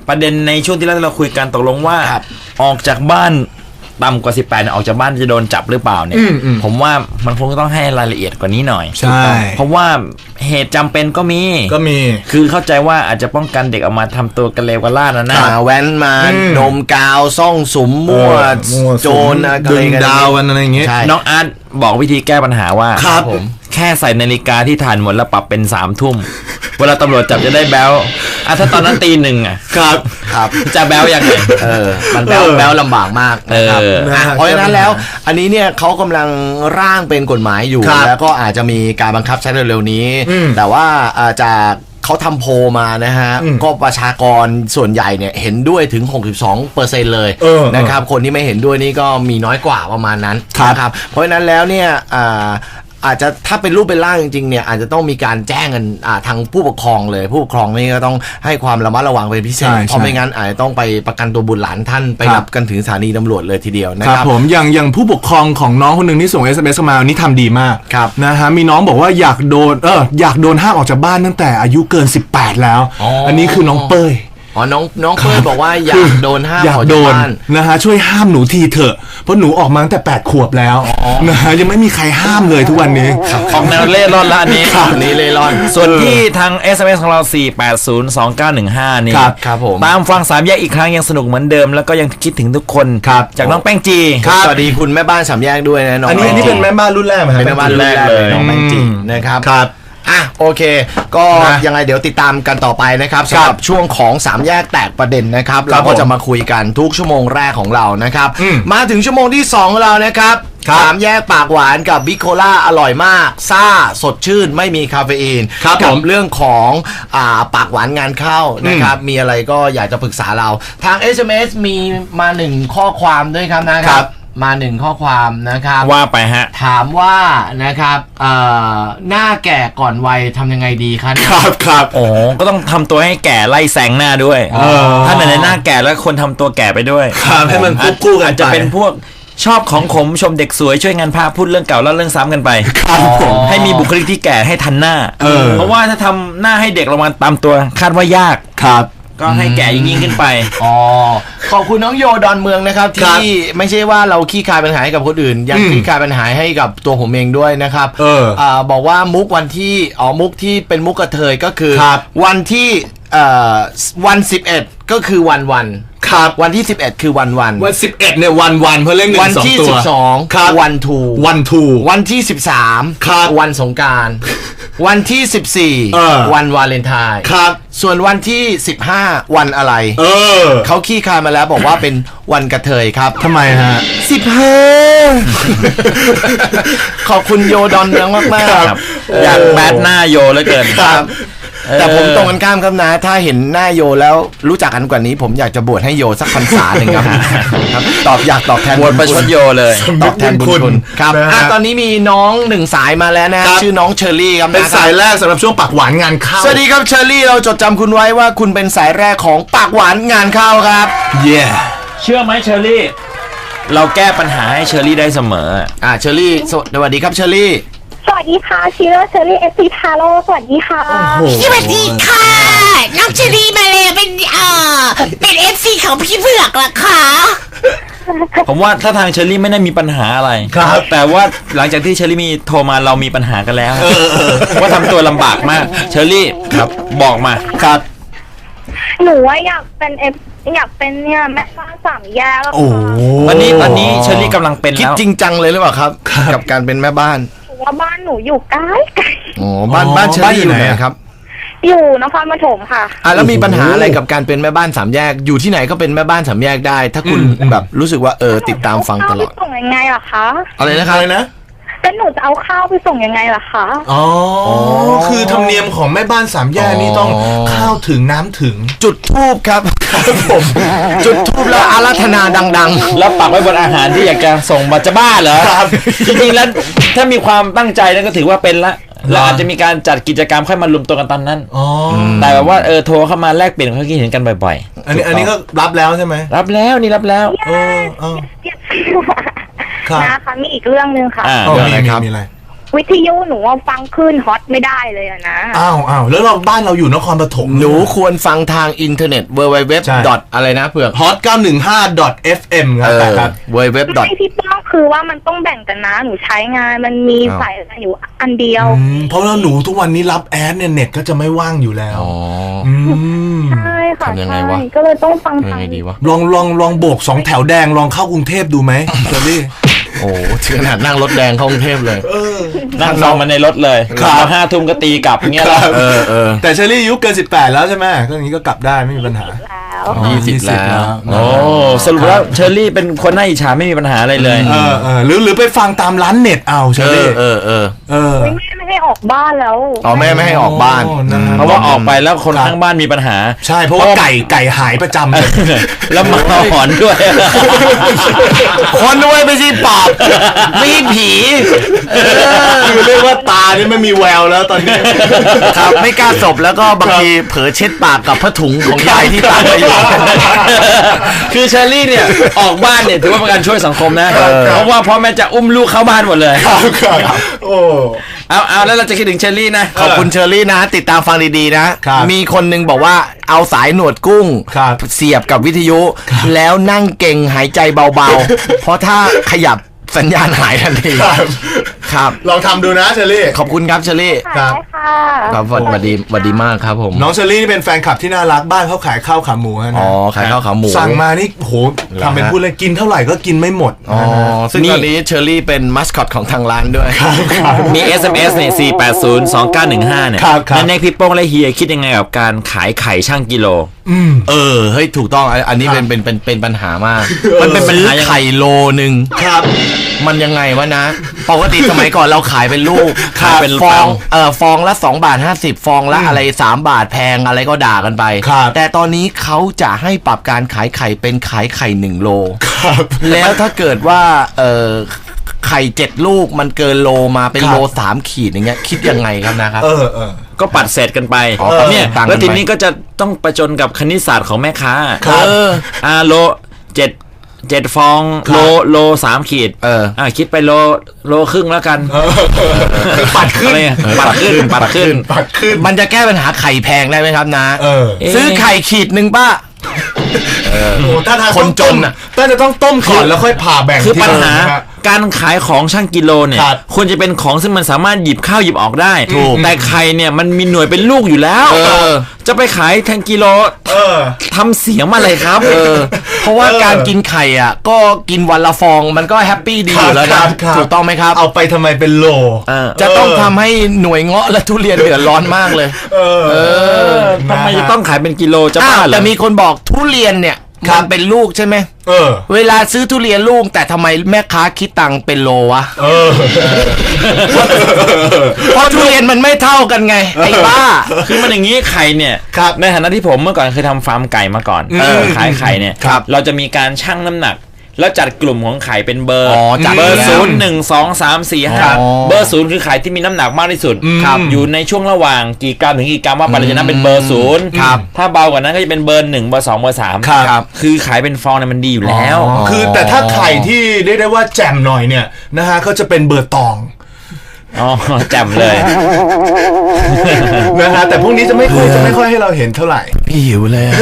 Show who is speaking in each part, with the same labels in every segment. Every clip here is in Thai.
Speaker 1: ประเด็นในช่วงที่เราคุยกันตกลงว่าออกจากบ้านต่ำกว่า18เนี่ยออกจากบ้านจะโดนจับหรือเปล่าเนี่ยผมว่ามันคงต้องให้รายละเอียดกว่านี้หน่อย
Speaker 2: ใช่
Speaker 1: เพราะว่าเหตุจำเป็นก็มีคือเข้าใจว่าอาจจะป้องกันเด็กออกมาทำตัวกันเลวกันล่านะ
Speaker 3: แว้นมาดมกาวซ่องสุมมั่วโจร
Speaker 2: ดึงดาวอะไรอย่างเงี้ย
Speaker 1: น้องอาร์ตบอกวิธีแก้ปัญหาว่าผมแค่ใส่นาฬิกาที่ถ่านหมดแล้วปรับเป็น3 ทุ่มเวลาตำรวจจับจะได้แบลถ้าตอนนั้นตี 1อ่ะ
Speaker 3: ครับ
Speaker 1: จะแบลยังไง
Speaker 3: มันแบลลำบากมากนะครับเพราะฉะนั้นแล้วอันนี้เนี่ยเขากำลังร่างเป็นกฎหมายอยู่แล้วก็อาจจะมีการบังคับใช้เร็วๆนี้แต่ว่าจากเขาทำโพลมานะฮะก็ประชากรส่วนใหญ่เนี่ยเห็นด้วยถึง 62% เลยนะครับคนที่ไม่เห็นด้วยนี่ก็มีน้อยกว่าประมาณนั้นนะครับเพราะฉะนั้นแล้วเนี่ยอาจจะถ้าเป็นรูปเป็นร่างจริงๆเนี่ยอาจจะต้องมีการแจ้งกันทางผู้ปกครองเลยผู้ปกครองนี่ก็ต้องให้ความระมัดระวังเป็นพิเศษเพราะไม่งั้นอาจจะต้องไปประกันตัวบุตรหลานท่านไปรับกันถึงสถานีตำรวจเลยทีเดียวนะครับ
Speaker 2: ผมอย่างผู้ปกครองของน้องคนหนึ่งที่ส่ง SMS มานี่ทำดีมากนะฮะมีน้องบอกว่าอยากโดนห้ามออกจากบ้านตั้งแต่อายุเกิน18แล้วอันนี้คือน้องเป้ย
Speaker 3: น้องเป้ยบอกว่าอยากโดนห้ามออกจากบ้าน
Speaker 2: นะฮะช่วยห้ามหนูทีเถอะเพราะหนูออกมาตั้งแต่8 ขวบแล้วนะฮะยังไม่มีใครห้ามเลยทุกวันนี้
Speaker 1: ของแนวเล่ร่อนละอันนี้
Speaker 3: นี่เล่ร่อน
Speaker 1: ส่วนที่ทาง SMS ของเรา4802915นี่
Speaker 3: ครับผม
Speaker 1: ตามฟัง3แยกอีกครั้งยังสนุกเหมือนเดิมแล้วก็ยังคิดถึงทุกคนจากน้องแป้งจี
Speaker 3: สวัสดีคุณแม่บ้าน3แยกด้วยนะน้อง
Speaker 2: อันนี้เป็นแม่บ้านรุ่นแรกมั้ย
Speaker 3: เป็นแม่บ้านรุ่นแรกเลยน้องแป้งจีนะครับโอเคก็ยังไงเดี๋ยวติดตามกันต่อไปนะครับสำหรับช่วงของ3แยกแตกประเด็นนะครับเราก็จะมาคุยกันทุกชั่วโมงแรกของเรานะครับมาถึงชั่วโมงที่2ของเรานะครับ3แยกปากหวานกับบิโคล่าอร่อยมากซ่าสดชื่นไม่มีคาเฟอีนกับเรื่องของปากหวานงานเข้านะครับมีอะไรก็อยากจะปรึกษาเราทาง SMS มีมา1ข้อความด้วยครับนะครับมา1ข้อความนะครับ
Speaker 1: ว่าไปฮะ
Speaker 3: ถามว่านะครับหน้าแก่ก่อนวัยทำยังไงดี
Speaker 2: ครับ
Speaker 1: โอ้ก็ต้องทำตัวให้แก่ไล่แสงหน้าด้วยถ้าในหน้าแก่แล้วคนทำตัวแก่ไปด้วย
Speaker 2: ให้มันคู่กัน
Speaker 1: จะเป็นพวกชอบของขมชมเด็กสวยช่วยงานพาพูดเรื่องเก่าแล้วเรื่องซ้ำกันไปให้มีบุคลิกที่แก่ให้ทันหน้าเพราะว่าถ้าทำหน้าให้เด็กลงมาตามตัวคาดว่ายากก็ให้แก่ยิ่งขึ้นไป
Speaker 3: ขอบคุณน้องโยดอนเมืองนะครับที่ไม่ใช่ว่าเราขี้คายปัญหาให้กับคนอื่นยังขี้คายปัญหาให้กับตัวผมเองด้วยนะครับบอกว่ามุกวันที่มุกที่เป็นมุกกระเทยก็คือวันที่วัน11ก็คือวัน
Speaker 2: ครับ
Speaker 3: วันที่11คือวัน
Speaker 2: 11เนี่ยวันเพราะเล่น1 2ตัว
Speaker 3: วันที่12วันทูวันที่13วันสงกรานต์วันที่14วันวาเลนไทน์
Speaker 2: ครับ
Speaker 3: ส่วนวันที่15วันอะไรเขาขี้คายมาแล้วบอกว่าเป็นวันกระเทยครับ
Speaker 2: ทำไมฮะ
Speaker 3: 15ขอบคุณโยดอนเมืองมาก
Speaker 1: ๆอยากแบดหน้าโยเหลือเกิน
Speaker 3: ครับแต่ผมตรงกันข้ามครับนะถ้าเห็นหน้าโยแล้วรู้จักกันกว่านี้ผมอยากจะบวชให้โยสักพรรษาหนึ่งครับอยากตอบแทน
Speaker 1: บวชประชดโยเลย
Speaker 3: ตอบแทนบุญคุณครับตอนนี้มีน้อง1สายมาแล้วนะชื่อน้องเชอรี่ครับ
Speaker 2: เป็นสายแรกสำหรับช่วงปากหวานงานเข้า
Speaker 3: สวัสดีครับเชอรี่เราจดจำคุณไว้ว่าคุณเป็นสายแรกของปากหวานงานเข้าครับ
Speaker 1: เชื่อไหมเชอรี่เราแก้ปัญหาให้เชอรี่ได้เสมอ
Speaker 3: เชอรี่สวัสดีครับเชอรี่
Speaker 4: สวัสดีค่ะชิโร่เชอรี่เอฟซีทาโร่สวัสดีค่ะ
Speaker 5: สวัสดีค่ะน้องเชอรี่มาเลยเป็นเอฟซีของพี่เผือกเหรอคะ
Speaker 1: ผมว่าถ้าทางเชอรี่ไม่ได้มีปัญหาอะไรแต่ว่าหลังจากที่เชอรี่มีโทรมาเรามีปัญหากันแล้วว่าทำตัวลำบากมากเชอรี่ครับบอกมา
Speaker 3: ครับ
Speaker 4: หนูว่าอยากเป็นเนี่ยแม่บ้าน3แยก
Speaker 1: วันนี้เชอรี่กำลังเป็นแล้ว
Speaker 3: คิดจริงจังเลยหรือเปล่าครับกับการเป็นแม่บ้าน
Speaker 4: ว่าบ้านหนูอยู่ใกล้
Speaker 3: บ้านเชอรี่อยู่ไหนครับ
Speaker 4: อยู่นครปฐมค่ะ
Speaker 3: แล้วมีปัญหาอะไรกับการเป็นแม่บ้าน3แยกอยู่ที่ไหนก็เป็นแม่บ้าน3แยกได้ถ้าคุณแบบรู้สึกว่าติดตามฟังตลอด
Speaker 4: ส่งยังไงล่ะคะ
Speaker 3: อะไรนะครับ
Speaker 4: แล้วหนูจะเอาข้าวไปส่งยังไงล่ะคะ
Speaker 2: คือธรรมเนียมของแม่บ้าน3แยกนี่ต้องข้าวถึงน้ำถึง
Speaker 3: จุดธูปครับผมจุดธูปแล้วอาราธนาดัง
Speaker 1: ๆแล้วปักไว้บนอาหารที่อยากจะส่งมาจะบ้าเหรอจริงๆแล้วถ้ามีความตั้งใจนั่นก็ถือว่าเป็นละเราอาจจะมีการจัดกิจกรรมค่อยมารวมตัวกันตอนนั้นแต่แบบว่าโทรเข้ามาแลกเปลี่ยนความคิดเห็นกันบ่อย
Speaker 2: ๆอันนี้ก็รับแล้วใช่ไหม
Speaker 1: รับแล้ว
Speaker 4: นะคะมีอีกเรื่องนึงค่ะ
Speaker 2: มีอะไร
Speaker 4: วิทยุหนูว่าฟังคลื่นฮอตไม่ได้เลยอะนะ
Speaker 2: อ้าวแล้วเราบ้านเราอยู่นครปฐม
Speaker 3: หนูควรฟังทางอินเทอร์เน็ต www. อะไรนะเผือก
Speaker 2: hot 915.fm ครับ
Speaker 3: www.
Speaker 4: ไม่พี่ป้องคือว่ามันต้องแบ่งกันนะหนูใช้งานมันมีสายอยู่อันเดียว
Speaker 2: เพราะว่าหนูทุกวันนี้รับแอดเนี่ยเน็ตก็จะไม่ว่างอยู่แล้ว
Speaker 3: อ๋อ
Speaker 4: ใช่ค่ะ
Speaker 3: ทำยังไงวะ
Speaker 4: ใช่ก็เลยต้องฟัง
Speaker 3: ยังไงดีวะ
Speaker 2: ลองโบก2แถวแดงลองเข้ากรุงเทพดูไหมเชอรี่
Speaker 3: โอ้ถึงขนาดนั่งรถแดงเข้ากรุงเทพเลย
Speaker 1: นั่งนอนมาในรถเลย
Speaker 2: ครับ
Speaker 1: 5 ทุ่มก็ตีกลับอย่างเงี้ย
Speaker 2: ค
Speaker 1: แล้
Speaker 2: รั
Speaker 1: ว
Speaker 2: บแต่เชอรี่อายุเกิน18แล้วใช่ไหมก็อย่างนี้ก็กลับได้ไม่มีปัญหา
Speaker 4: แล้ว
Speaker 3: 20 แล้ว
Speaker 1: โอ้สรุปแล้วเชอรี่เป็นคนน่าอิจฉาไม่มีปัญหาอะไรเลย
Speaker 2: หรือไปฟังตามร้านเน็ตเอาเชอรี่
Speaker 4: ไม่ให้ออกบ้านแล้ว
Speaker 3: อ๋อแม่ไม่ให้ออกบ้าน
Speaker 1: เพราะว่าออกไปแล้วคนข้างบ้านมีปัญหา
Speaker 2: ใช่เพราะว่าไก่หายประจำเลย
Speaker 1: แล้วหมาหอนด้วย
Speaker 3: คนด้วยไม่ใช่ปอบไม่ใช่ผี
Speaker 2: คือเรียกว่าตานี่ไม่มีแววแล้วตอนนี้
Speaker 3: ครับไม่กล้าสบแล้วก็บางทีเผลอเช็ดปากกับผ้าถุงของยายที่ตากไปอยู่
Speaker 1: คือเชอรี่เนี่ยออกบ้านเนี่ยถือว่าเป็นการช่วยสังคมนะ เพราะว่าพ่อแม่จะอุ้มลูกเข้าบ้านหมดเลย
Speaker 2: โอ้
Speaker 1: เอาแล้วเราจะคิดถึงเชอรี่นะ
Speaker 3: ขอบคุณเชอรี่นะ ติดตามฟังดีๆนะ
Speaker 2: ครับ
Speaker 3: มีคนนึงบอกว่าเอาสายหนวดกุ้ง
Speaker 2: ครับ
Speaker 3: เสียบกับวิทยุ แล้วนั่งเก่งหายใจเบาๆ เพราะถ้าขยับสัญญาณหายทันทีครับ
Speaker 2: ลองทำดูนะเชอรี่
Speaker 3: ขอบคุณครับเชอรี่
Speaker 2: ครับ
Speaker 4: ค่ะ
Speaker 3: ครับสวัสดีมากครับผม
Speaker 2: น้องเชอรี่นี่เป็นแฟนคลับที่น่ารักบ้านเขาขายข้าวขาหมูนะ
Speaker 3: อ๋อขายข้าวขาหมู
Speaker 2: สั่งมานี่โหทำเป็นพูดเลยกินเท่าไหร่ก็กินไม่หมด
Speaker 3: อ๋อซึ่งตอนนี้เชอรี่เป็นมัสคอตของทางร้านด้วย
Speaker 1: มี SMS เนี่ย4802915เนี่ย
Speaker 2: ครับ
Speaker 1: นั่นเองพี่โป้งและเฮียคิดยังไงกับการขายไข่ช่างกิโล
Speaker 3: เฮ้ยถูกต้องอันนี้เป็นปัญหา มาก
Speaker 1: มันเป็นปัญหา
Speaker 3: ไข่โลนึง
Speaker 2: ครับ
Speaker 3: มันยังไงวะนะ ปกติสมัยก่อนเราขายเป็นลูก
Speaker 1: ขายเป็น
Speaker 3: ฟอง
Speaker 1: ฟอง
Speaker 3: ฟองละ2 บาท 50 ฟองละอะไร3 บาทแพงอะไรก็ด่ากันไป
Speaker 2: ครับ
Speaker 3: แต่ตอนนี้เขาจะให้ปรับการขายไข่เป็นขายไข่1 โล
Speaker 2: ครับ
Speaker 3: แล้วถ้าเกิดว่าไข่7 ลูกมันเกินโลมาเป็นโล3 ขีดอย่างเงี้ยคิดยังไงครับนะครับ
Speaker 1: ก็ปัดเศษกันไป
Speaker 3: อ๋อ
Speaker 1: เนี่ย
Speaker 3: ต่างกันไป
Speaker 1: แล้วทีนี้ก็จะต้องประจนกับคณิตศาสตร์ของแม่ค้า
Speaker 2: ครับ
Speaker 1: โล7ฟอง
Speaker 2: ครับ
Speaker 1: โล3 ขีดคิดไปโลครึ่งแล้วกัน
Speaker 2: ปัดขึ้น
Speaker 1: อะไรอะปัดขึ้น
Speaker 2: ปัดขึ้น
Speaker 3: มันจะแก้ปัญหาไข่แพงได้ไหมครับนะ
Speaker 2: เออ
Speaker 3: ซื้อไข่ขีดหนึ่งป้า
Speaker 2: โอ้ถ้าทาง
Speaker 3: คนจนน่ะ
Speaker 2: ถ้าจะต้องต้มก่อนแล้วค่อยผ่าแบ่ง
Speaker 1: คือปัญหา
Speaker 2: ทีละนะ
Speaker 1: การขายของช่างกิโลเนี่ย
Speaker 2: ครับ
Speaker 1: ควรจะเป็นของซึ่งมันสามารถหยิบเข้าหยิบออกได้
Speaker 3: ถูก
Speaker 1: แต่ไข่เนี่ยมันมีหน่วยเป็นลูกอยู่แล้ว จะไปขายแทงกิโลทำเสียงอะไรครับ
Speaker 3: เพราะว่าการกินไข่อ่ะก็กินวันละฟองมันก็แฮปปี้ดีอยู่แล้ว
Speaker 2: ครั
Speaker 3: นะ
Speaker 2: บครับ
Speaker 3: ถูกต้องไหมครับ
Speaker 2: เอาไปทำไมเป็นโล
Speaker 3: จะต้องทำให้หน่วยเงาะและทุเรียนเดือดร้อนมากเลย
Speaker 1: ทำไมจะต้องขายเป็นกิโลจะ
Speaker 3: อ้า
Speaker 1: บ้าว เหร
Speaker 3: แต่
Speaker 1: อ
Speaker 3: มีคนบอกทุเรียนเนี่ยมันเป็นลูกใช่ไหมเวลาซื้อทุเรียนลูกแต่ทำไมแม่ค้าคิดตังค์เป็นโลวะเพราะทุเรียนมันไม่เท่ากันไงไอ้บ้า
Speaker 1: คือมันอย่างนี้ไข่เนี่ย
Speaker 2: ครับ
Speaker 1: ในฐานะที่ผมเมื่อก่อนเคยทำฟาร์มไก่มาก่อนขายไข่เนี่ย
Speaker 2: ครับ
Speaker 1: เราจะมีการชั่งน้ำหนัก แล้วจัดกลุ่มของไข่เป็นเบอร์
Speaker 3: จัด
Speaker 1: เบอร์
Speaker 3: แล้ว
Speaker 1: 0 1 2 3 4 5เบอร์0คือไข่ที่มีน้ำหนักมากที่สุดอยู่ในช่วงระหว่างกี่กรัมถึงกี่กรัมว่าไปเราจะนับเป็นเบอร์0ถ้าเบากว่านั้นก็จะเป็นเบอร์ 1 เบอร์ 2 เบอร์ 3
Speaker 2: ครับ
Speaker 1: คือขายเป็นฟองเนี่ยมันดีอยู่แล้ว
Speaker 2: คือแต่ถ้าไข่ที่เรียกได้ว่าแจ่มหน่อยเนี่ยนะฮะก็จะเป็นเบอร์ตอง
Speaker 1: อ๋อแจ่มเลย
Speaker 2: นะฮะแต่พวกนี้จะไม่ค่อยให้เราเห็นเท่าไหร่
Speaker 3: พี่หิวเลยอะ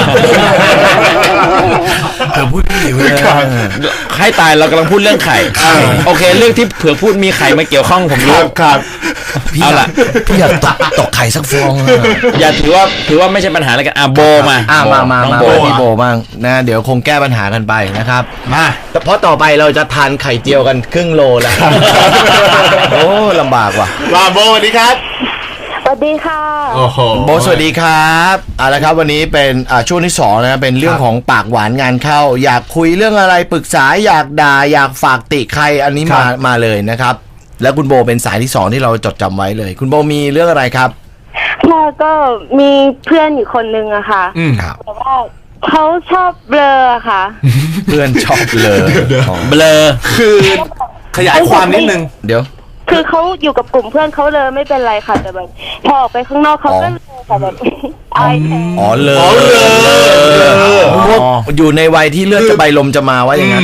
Speaker 3: เธอพูดพี่หิวเลยอะ
Speaker 1: ให้ตายเรากำลังพูดเรื่องไข่โอเค เรื่องที่เผื่อพูดมีไข่มาเกี่ยวข้องผมรู้
Speaker 2: ครับ
Speaker 3: พี่
Speaker 1: เอา
Speaker 3: อยา
Speaker 1: ล่ะ
Speaker 3: กพี่อยากตกไข่สักฟองอะ
Speaker 1: อย่าถือว่าไม่ใช่ปัญหาอะไรกันโบมา
Speaker 3: มา
Speaker 1: น้องโบ
Speaker 3: พี่โบบ้างนะเดี๋ยวคงแก้ปัญหากันไปนะครับ
Speaker 2: มา
Speaker 3: เพราะต่อไปเราจะทานไข่เจียวกันครึ่งโลแล้ว โอ้ลำบากว่ะ
Speaker 2: ว่าโบสวัสดีครับ
Speaker 4: สวัสดีค่ะ
Speaker 2: โอ้โห
Speaker 3: โบสวัสดีครับเอาละครับวันนี้เป็นช่วงที่2นะเป็นเรื่องของปากหวานงานเข้า อยากคุยเรื่องอะไรปรึกษาอยากด่าอยากฝากติใครอันนี้มาเลยนะครับ แล้วคุณโบเป็นสายที่2ที่เราจดจำไว้เลย คุณโบมีเรื่องอะไรครับ
Speaker 4: ค่ะก็มีเพื่อนอยู่คนนึงอะค่ะ
Speaker 3: ครับ
Speaker 4: แต่ว่าเขาชอบเบลอค่ะ
Speaker 3: เพื่อนชอบเลย
Speaker 1: เบลอ
Speaker 2: คือขยายความนิดนึง
Speaker 3: เดี๋ยว
Speaker 4: คือเขาอยู่กับกลุ่มเพื่อนเขาเลยไม่เป็นไรค่ะแต่แบบพอออกไปข้างนอกเขาก็เลยค่ะแบบอายแทน
Speaker 3: อ๋อเลย
Speaker 2: อ๋อเลย
Speaker 3: พวกอยู่ในวัยที่เลือดจะใบลมจะมาว่าอย่างนั้น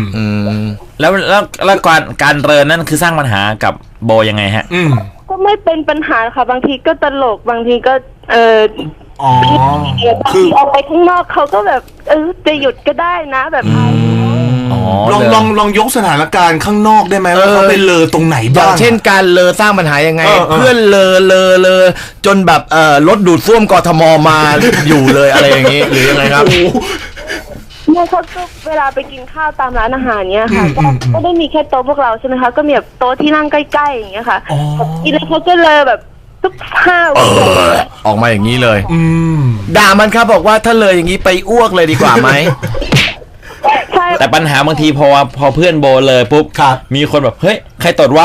Speaker 1: แล้วการเรินนั่นคือสร้างปัญหากับโบยังไงฮะ
Speaker 4: ก็ไม่เป็นปัญหาค่ะบางทีก็ตลกบางทีก็
Speaker 2: อ๋อบ
Speaker 4: างทีออกไปข้างนอกเขาก็แบบจะหยุดก็ได้นะแบบ
Speaker 2: ลองยกสถานการณ์ข้างนอกได้ไหมว่าเขาไปเลอตรงไหนบ้าง
Speaker 3: อย่างเช่นการเลอสร้างปัญหายังไงเพื่อนเลอจนแบบรถดูดซ่วมกทมมาอยู่เลยอะไรอย่างนี้หรือยังไงครับ
Speaker 4: เนี่ยเขาก็เวลาไปกินข้าวตามร้านอาหารเนี้ยค่ะก็ได้มีแค่โต๊ะพวกเราใช่ไหมคะก็มีแบบโต๊ะที่นั่งใกล้ๆอย่างเงี้ยค่ะกินแล้วเขาก็เลยแบบทุกข้าว
Speaker 3: ออกมาอย่างนี้เลยด่ามันครับบอกว่าถ้าเลยอย่างนี้ไปอ้วกเลยดีกว่าไหม
Speaker 1: แต่ปัญหาบางทีพอเพื่อนโบเลยปุ๊บมีคนแบบเฮ้ยใครตดวะ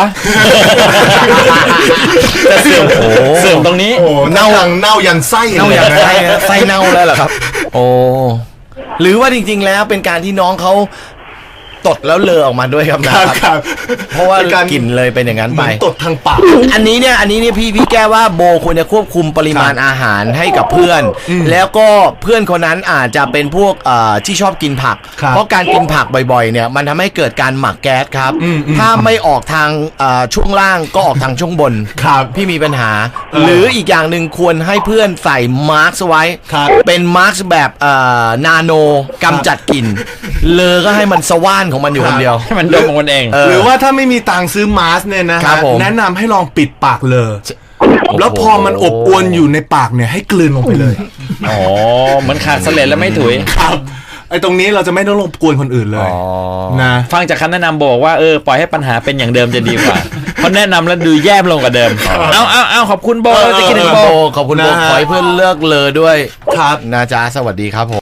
Speaker 1: จะเสื่อมตรงนี้
Speaker 2: เน่ายันไส้
Speaker 3: ไส้เน่าแล้วเหรอครับโอ้หรือว่าจริงๆแล้วเป็นการที่น้องเขาตดแล้วเลอออกมาด้วยครับนะครับเพราะว่าการกินเลยเป็นอย่างนั้นไป
Speaker 2: ตดทางปาก
Speaker 3: อันนี้เนี่ยพี่แก้ว่าโบควรจะควบคุมปริมาณอาหารให้กับเพื่อนแล้วก็เพื่อนคนนั้นอาจจะเป็นพวกที่ชอบกินผักเพราะการกินผักบ่อยๆเนี่ยมันทำให้เกิดการหมักแก๊สครับถ้าไม่ออกทางช่วงล่างก็ออกทางช่วงบนพี่มีปัญหาหรืออีกอย่างหนึ่งควรให้เพื่อนใส่มาร์กไว้เป็นมาร์กแบบนาโนกำจัดกลิ่นเลอก็ให้มันสว่านของมันอยู่คนเดียว
Speaker 1: ให้มันดมของมันเอง
Speaker 2: หรือว่าถ้าไม่มีตังค์ซื้อมาสเนี่ยนะแนะนำให้ลองปิดปากเลยแล้วพอมันอบอวนอยู่ในปากเนี่ยให้กลืนลงไปเลย
Speaker 1: อ๋อเหมือนขาดเสลดแล้วไม่ถุย
Speaker 2: ครับไอ้ตรงนี้เราจะไม่ต้องรบกวนคนอื่นเลยนะ
Speaker 1: ฟังจากคำแนะนำบอกว่าปล่อยให้ปัญหาเป็นอย่างเดิมจะดีกว่าเพราะแนะนำแล้วดูแย่ลงกว่าเดิมเอาขอบคุณโบจะกินโบ
Speaker 3: ขอบคุณโบขอให้เพื่อนเลิกเลยด้วยครับนะจ๊ะสวัสดีครับผม